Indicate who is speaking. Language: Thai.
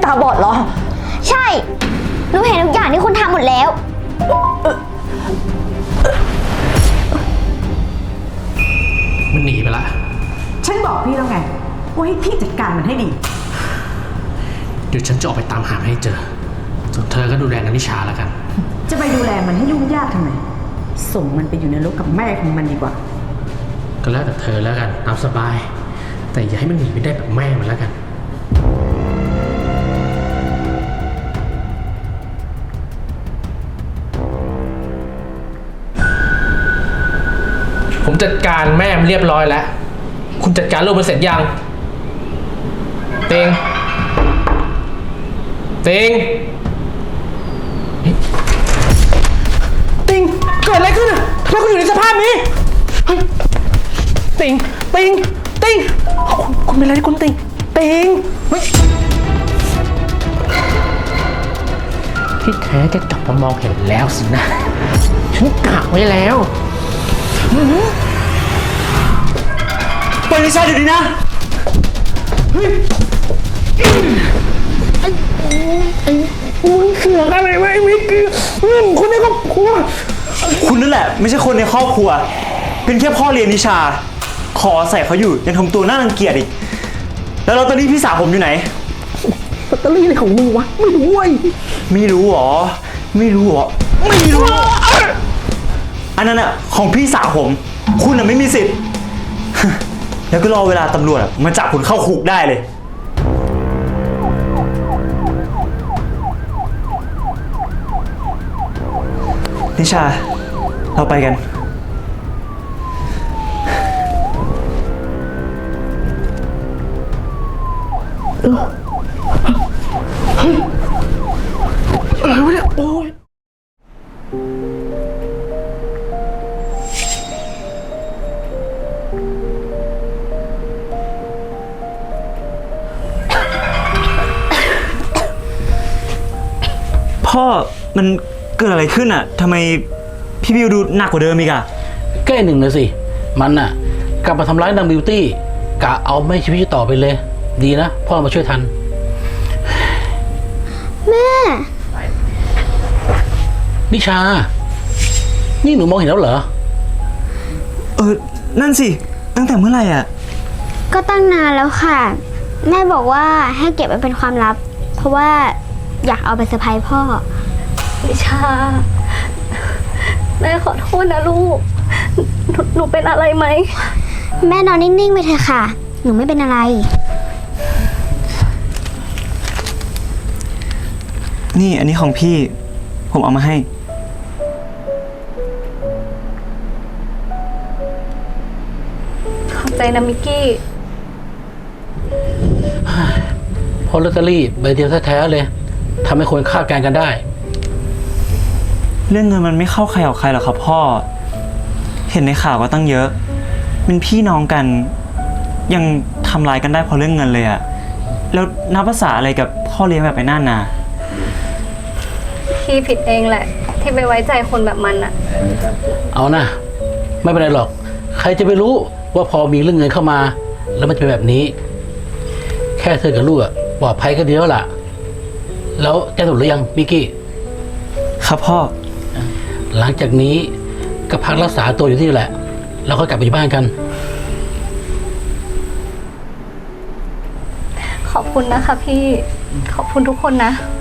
Speaker 1: าบอดเหรอ
Speaker 2: ใช่หนูเห็นทุกอย่างที่คุณทำหมดแล้ว
Speaker 3: มันหนีไปละ
Speaker 1: ฉันบอกพี่แล้วไงว่าให้พี่จัดการมันให้ดี
Speaker 3: เดี๋ยวฉันจะออกไปตามหาให้เจอส่วนเธอก็ดูแลนันทิชาแล้วกัน
Speaker 1: จะไปดูแลมันให้ยุ่งยากทำไมส่งมันไปอยู่ในโลกกับแม่ของมันดีกว่า
Speaker 3: ก็แล้วแต่เธอแล้วกันตามสบายแต่อย่าให้มันหนีไปได้แบบแม่มันแล้วกันผมจัดการแม่มันเรียบร้อยแล้วคุณจัดการลูกมันเสร็จยังเต็งเกิดอะไรขึ้นอ่ะทำไมคุณอยู่ในสภาพนี้เฮ้ยติงคุณเป็นอะไรคุณติงเฮ้ยที่แท้จะกลับมามองเห็นแล้วสินะฉันกะไว้แล้ว
Speaker 4: ปล่อยนิชาเดี๋ยวนี้นะเฮ้ย
Speaker 3: มึงเสือกอะไรไว้ไม่เกี่ยวคนในครอบครัว
Speaker 4: คุณนั่นแหละไม่ใช่คนในครอบครัวเป็นแค่พ่อเลี้ยงนิชาขอใส่เขาอยู่ยังทำตัวน่ารังเกียจอีกแล้วลอตเตอรี่พี่สาวผมอยู่ไหน
Speaker 3: ลอตเตอรี่อะไรของมึงวะไม่รู้เว้ย
Speaker 4: ไม่รู้หรออันนั้นอะของพี่สาวผมคุณอะไม่มีสิทธิ์แล้วก็รอเวลาตำรวจมาจับคุณเข้าคุกได้เลยนิชาเราไปกัน
Speaker 3: อะไรวะเนี่ยโอ้ย
Speaker 4: พ่อมันเกิดอะไรขึ้นอ่ะทำไมพี่บิวดูหนักกว่าเดิมอีกอ่ะ
Speaker 5: แก้หนึ่งเลยสิมันน่ะกลับมาทำร้ายนางบิวตี้กะเอาไม่ชีวิตต่อไปเลยดีนะพ่อมาช่วยทัน
Speaker 2: แม่
Speaker 5: นิชานี่หนูมองเห็นแล้วเหรอ
Speaker 4: นั่นสิตั้งแต่เมื่อไหร่อ่ะ
Speaker 2: ก็ตั้งนานแล้วค่ะแม่บอกว่าให้เก็บไว้เป็นความลับเพราะว่าอยากเอาไปเซอร์ไพรส์พ่อ
Speaker 6: นิชาแม่ขอโทษนะลูกหนูเป็นอะไรไหม
Speaker 2: แม่นอนนิ่งๆไปเถอะค่ะหนูไม่เป็นอะไร
Speaker 4: นี่อันนี้ของพี่ผมเอามาให้
Speaker 6: ขอบใจนะมิกกี้
Speaker 5: พอลอตเตอรี่ใบเดียวแท้ๆเลยทำให้คนคาดการณ์กันได้
Speaker 4: เรื่องเงินมันไม่เข้าใครออกใครหรอกครับพ่อเห็นในข่าวก็ตั้งเยอะเป็นพี่น้องกันยังทำร้ายกันได้เพราะเรื่องเงินเลยอะแล้วนับภาษาอะไรกับพ่อเลี้ยงแบบไอ้นั่นนะ
Speaker 6: พี่ผิดเองแหละที่ไปไว้ใจคนแบบมันอะ
Speaker 5: เอานะไม่เป็นไรหรอกใครจะไปรู้ว่าพอมีเรื่องเงินเข้ามาแล้วมันจะเป็นแบบนี้แค่เธอกับลูกอะปลอดภัยก็ดีแล้วล่ะแล้วแกถูกหรือยังมิกกี้
Speaker 4: ครับพ่อ
Speaker 5: หลังจากนี้ก็พักรักษาตัวอยู่ที่นี่แหละแล้วก็กลับไปที่บ้านกัน
Speaker 6: ขอบคุณนะคะพี่ขอบคุณทุกคนนะ